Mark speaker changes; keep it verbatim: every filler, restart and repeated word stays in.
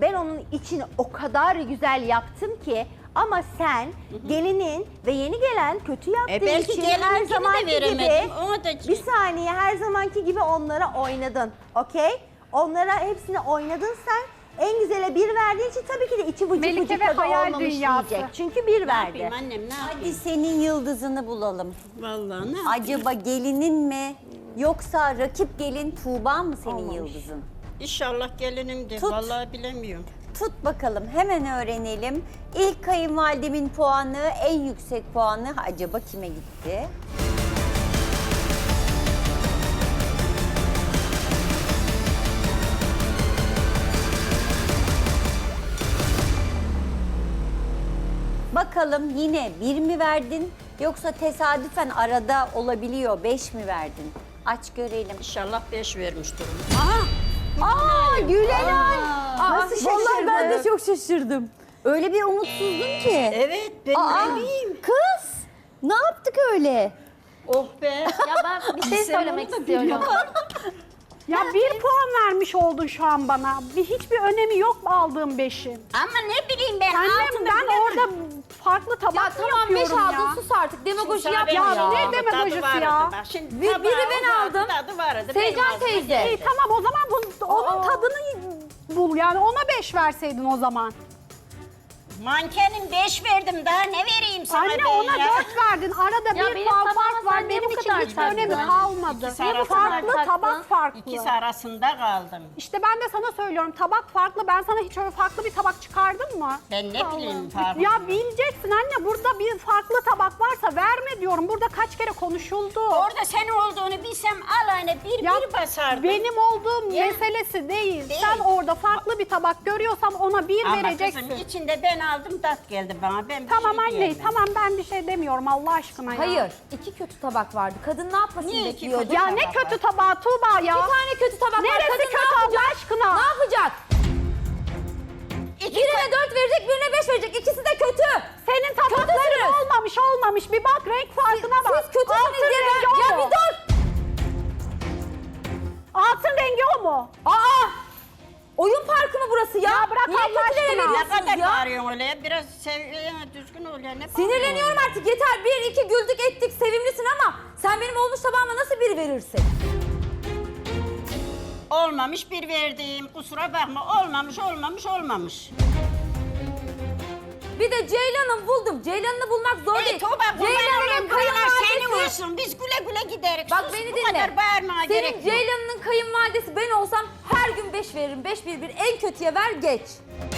Speaker 1: ben onun içini o kadar güzel yaptım ki ama sen gelinin ve yeni gelen kötü yaptığı
Speaker 2: E belki
Speaker 1: için her
Speaker 2: gelininkini de
Speaker 1: zamanki gibi
Speaker 2: veremedim, ona da-
Speaker 1: bir saniye her zamanki gibi onlara oynadın. Okey? Onlara hepsini oynadın sen. En güzele bir verdiğin için tabii ki de içi vıcık
Speaker 3: Melike
Speaker 1: vıcık
Speaker 3: ve
Speaker 1: tadı
Speaker 3: hayal
Speaker 1: olmamış
Speaker 3: dünyası.
Speaker 1: diyecek. Çünkü bir
Speaker 2: Ne
Speaker 1: verdi.
Speaker 2: yapayım annem ne
Speaker 4: Hadi
Speaker 2: yapayım?
Speaker 4: senin yıldızını bulalım.
Speaker 2: Vallahi ne yapayım?
Speaker 4: Acaba gelinin mi yoksa rakip gelin Tuğba mı senin yıldızın?
Speaker 2: İnşallah gelinimdir.
Speaker 4: Tut.
Speaker 2: Vallahi bilemiyorum.
Speaker 4: Tut bakalım hemen öğrenelim. İlk kayınvalidemin puanı, en yüksek puanı acaba kime gitti? Bakalım yine bir mi verdin yoksa tesadüfen arada olabiliyor beş mi verdin? Aç görelim.
Speaker 2: İnşallah beş vermiştir.
Speaker 4: Aa Gülenay!
Speaker 1: Nasıl
Speaker 4: Vallahi ben de
Speaker 1: şaşırdın?
Speaker 4: çok şaşırdım. Öyle bir umutsuzdum ki.
Speaker 2: Evet ben
Speaker 4: Aa,
Speaker 2: ne bileyim.
Speaker 4: kız ne yaptık öyle?
Speaker 2: Oh be.
Speaker 5: Ya ben bir şey
Speaker 2: Sen
Speaker 5: söylemek
Speaker 2: onu da
Speaker 5: istiyorum.
Speaker 3: Ya bir puan vermiş oldun şu an bana. Bir hiçbir önemi yok mu aldığım beşin?
Speaker 2: Ama ne bileyim ben.
Speaker 3: Annem
Speaker 2: altını
Speaker 3: ben
Speaker 2: bilemem.
Speaker 3: orada farklı tabak
Speaker 5: Ya
Speaker 3: mı
Speaker 5: tamam beş
Speaker 3: yapıyorum ya?
Speaker 5: aldın sus artık. Demagoji
Speaker 2: Sana
Speaker 5: yapma
Speaker 2: ben
Speaker 3: Ya
Speaker 5: ya.
Speaker 3: ne
Speaker 2: verdim,
Speaker 3: demagojisi
Speaker 2: tadı vardı
Speaker 3: ya?
Speaker 2: bak. Şimdi
Speaker 5: Bir-
Speaker 2: tabağı
Speaker 5: biri ben
Speaker 2: vardı,
Speaker 5: aldım.
Speaker 2: Tadı vardı.
Speaker 5: Seycan
Speaker 2: benim ağzıma
Speaker 5: teyze.
Speaker 2: geldi.
Speaker 3: İyi tamam o zaman bunun, onun tadını bul yani ona beş verseydin o zaman.
Speaker 2: Mankenin beş verdim daha ne vereyim sana
Speaker 3: Anne
Speaker 2: ben
Speaker 3: ona
Speaker 2: ya?
Speaker 3: dört verdin. Arada
Speaker 5: Ya
Speaker 3: bir
Speaker 5: benim
Speaker 3: puan
Speaker 5: tabağıma
Speaker 3: fark
Speaker 5: sen
Speaker 3: var.
Speaker 5: niye
Speaker 3: Benim
Speaker 5: bu
Speaker 3: için
Speaker 5: kadar
Speaker 3: hiçbir önemi
Speaker 5: taktın?
Speaker 3: kalmadı.
Speaker 2: İkisi arasında
Speaker 3: Farklı
Speaker 5: taktın.
Speaker 3: tabak farklı.
Speaker 2: İkisi arasında kaldım.
Speaker 3: İşte ben de sana söylüyorum tabak farklı. Ben sana hiç öyle farklı bir tabak çıkardım mı?
Speaker 2: Ben ne bileyim farklı.
Speaker 3: Ya bileceksin anne burada bir farklı tabak varsa verme diyorum. Burada kaç kere konuşuldu.
Speaker 2: Orada senin olduğunu bilsem alayına bir
Speaker 3: Ya
Speaker 2: bir basardım.
Speaker 3: benim olduğum
Speaker 2: Ya.
Speaker 3: meselesi değil.
Speaker 2: Değil.
Speaker 3: Sen orada farklı bir tabak görüyorsan ona bir
Speaker 2: Ama
Speaker 3: vereceksin.
Speaker 2: kızım içinde ben aldım tat geldi bana. Ben bir
Speaker 3: Tamam
Speaker 2: şey
Speaker 3: anne
Speaker 2: diyemem.
Speaker 3: tamam ben bir şey demiyorum Allah aşkına ya.
Speaker 5: Hayır. iki kötü tabak vardı. Kadın ne yapmasını
Speaker 2: Niye iki
Speaker 5: bekliyordu?
Speaker 2: kötü
Speaker 3: Ya
Speaker 2: tabak
Speaker 3: ne
Speaker 2: var?
Speaker 3: kötü tabağı Tuğba ya.
Speaker 5: Bir tane kötü tabak var.
Speaker 3: Neresi
Speaker 5: Kadın
Speaker 3: kötü
Speaker 5: ne
Speaker 3: Allah
Speaker 5: yapacak?
Speaker 3: aşkına?
Speaker 5: Ne yapacak?
Speaker 2: İki
Speaker 5: Birine dört verecek, birine beş verecek. İkisi de kötü.
Speaker 3: Senin tabakların
Speaker 5: Kötüsünüz.
Speaker 3: olmamış olmamış. Bir bak renk farkına bak.
Speaker 5: Siz kötüsünüz
Speaker 3: Altın
Speaker 5: diye
Speaker 3: rengi
Speaker 5: ben...
Speaker 3: o
Speaker 5: Ya
Speaker 3: mu?
Speaker 5: bir dur.
Speaker 3: Altın rengi o mu?
Speaker 5: Aa! Oyun parkı mı burası ya?
Speaker 3: Ya bırak
Speaker 5: Niye
Speaker 3: Allah
Speaker 5: kötülere
Speaker 3: aşkına.
Speaker 2: Ne
Speaker 5: veriyorsunuz
Speaker 2: kadar
Speaker 5: ya?
Speaker 2: bağırıyorsun öyle ya? Biraz seviyene düzgün ol ya. Ne
Speaker 5: Sinirleniyorum
Speaker 2: bağırıyorsun?
Speaker 5: artık yeter. Bir, iki güldük ettik, sevimlisin ama sen benim olmuş tabağıma nasıl bir verirsin?
Speaker 2: Olmamış bir verdiğim. Kusura bakma. Olmamış, olmamış, olmamış.
Speaker 5: Bir de Ceylan'ı buldum. Ceylan'ı bulmak zor
Speaker 2: Ey
Speaker 5: değil.
Speaker 2: Tuğba bu
Speaker 5: Ceylan'ın
Speaker 2: paralar senin
Speaker 5: kayınvalidesi...
Speaker 2: olsun. Biz güle güle giderik.
Speaker 5: Bak
Speaker 2: Sus,
Speaker 5: beni
Speaker 2: bu
Speaker 5: dinle.
Speaker 2: kadar bağırmaya gerek
Speaker 5: Senin
Speaker 2: yok.
Speaker 5: Ceylan'ın kayınvalidesi ben olsam her gün beş veririm. Beş bir bir en kötüye ver geç.